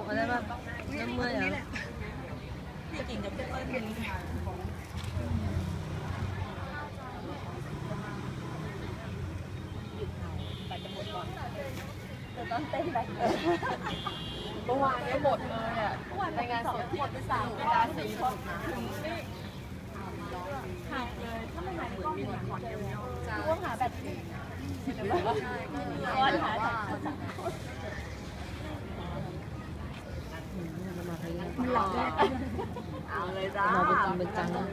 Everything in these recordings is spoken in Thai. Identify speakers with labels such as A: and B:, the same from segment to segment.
A: อะไรบ้างน้ำเมื่อยเหรอ
B: พี่กิ่งกับเจ้าเปิ้ลเป็นแต่จะหมดก่อนจะต้องเต้นแบบเมื่อวานก็หมดเลยอ่ะในงานสดหมดไป3 เวลา 4 คนหายเลยถ้าไม่หายก็มีหมดเดียวร่วงหาแบบนี้เดี๋ยวว่าร้อนหา
A: มันหลับแล้ว
B: เอาเลยจ้า
A: เราเป็นจริงเป็นจังนะ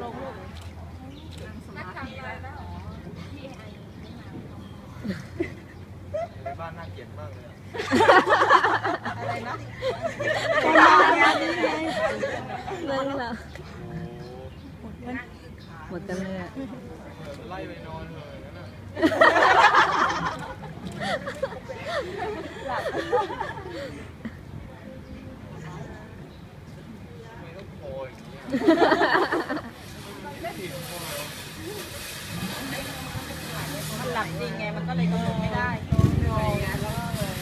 C: ในบ้านน่าเกลียดมากเลย
B: อะไรนะ
A: เรื่องละหมดกันเลย
C: ไล่ไปนอนเลยนั่นน่ะ
B: หลับ
C: ไม่ต้องโผล่อย่างนี้
B: มันหลับจริงไงมันก็เลยกำหนดไม่ได้งอไงแล้วก็เลย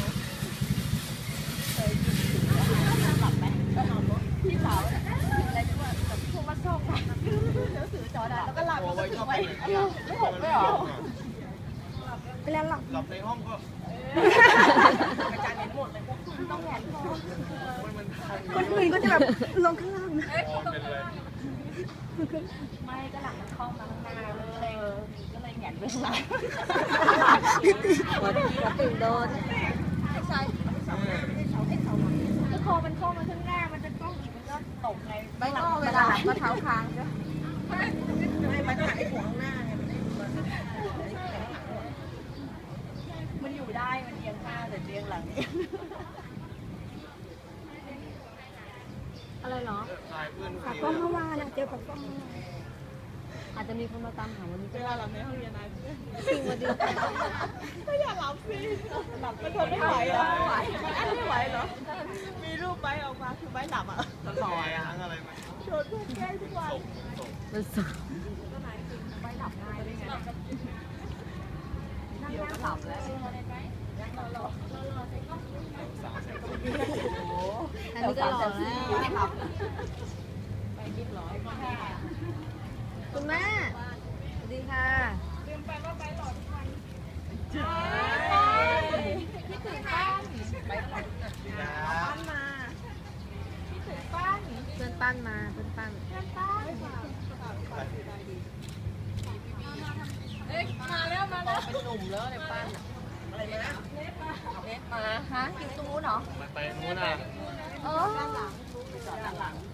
B: เคยหลับไหมก็นอนรถพี่สาวอะไรที่ว่าแบบพวกมาส่งเดี๋ยวถือจอดแล้วก็หลับแล้วก็ถือไว้ไม่หกไม่หรอไปแล้วหลับ
C: ในห้องก็
B: อาจารย์เห็นหมดเลยพวกคุณต้องแหวนคอ
C: มัน
B: คนอื่นก็จะแบบลงข้างล่างนะ
C: เป็นไร
B: ไม่ก็หลังมันคล้องมาข้างหน้าเลยก็เลยแหงนไปข้างหลัง
A: หัวตื่นโดน
B: ไอ้สายก็คอมันคล้องมาข้างหน้ามันจะต้องอีกมันก็ตกไงไม่ก็เวลาหลับก็เท้าค้างก็ไม่ต้องหันไอ้หัวข้างหน้าไงมันอยู่ได้มันเอียงหน้าแต่เอียงหลัง
A: อะไรเหรอ
B: ปากกล้องเมื่อวานเจอปากกล้อง
A: อาจจะมีคนมาตามหาวันนี้
B: เวลาหลับในห้องเรียนนะ
A: สิ่งมาดี
B: ไม่อยากหลับสิหลับมันทนไม่ไหวเหรอมันอั้นไม่ไหวเหรอมีรูปไบออกมาคือไบหลับอ่ะ
C: ต่อยอะไรไหม
B: โชว์ทุกแก้ทุกวัน
A: มันสุด
B: ก็ไหนจริงไบหลับง่ายได้ไงนั่งเดียวก็หลับแล้ว
A: อันนี้ก็หล่อแล้ว
B: ไปยิบร้อย
A: คุณแม่สวัสดีค่ะ
B: ลืมไปว่าไปหล่อทุกวันคิดถึงป้านไปหล่อป้านมาคิดถึงป้าน
A: เพื่อนปั้นมาเพื่อนปั้น
B: มาแล้วเป็นหนุ่มแล้วในป้านอะไรนะเน็ตมาฮะอยู่ตรงนู้นเหรอ
C: ไปนู้นอ่ะ
B: ด้านหลังจอดด้านหลัง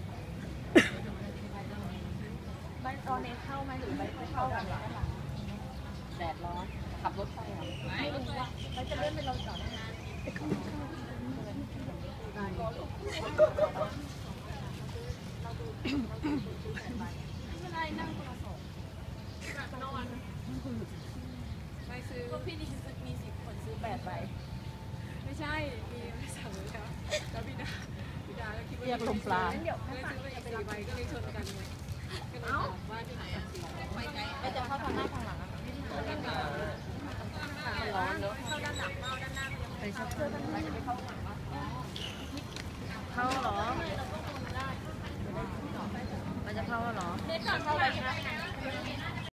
B: ใบตอนนี้เข้าไหมหรือใบไม่เข้ากันด้านหลังแดดร้อนขับรถไปเหรอไม่รู้ว่าใบจะเลื่อนไปลงจอดได้นะไม่ไรนั่งโทรศัพท์นอนไปซื้อพี่นี่มี10 คนซื้อ8 ใบ
D: ไม่ใช่ มีสั่งเลยครับแล้วบิดาก็คิดว่า
B: เรียกลมปลา
D: เลยซื้อไปอีก4 ใบก็เลยชนกันไงก็เลยถามว่าที่ไหนอ่ะ
B: ไม่จะเข้าทางหน้าทางหลัง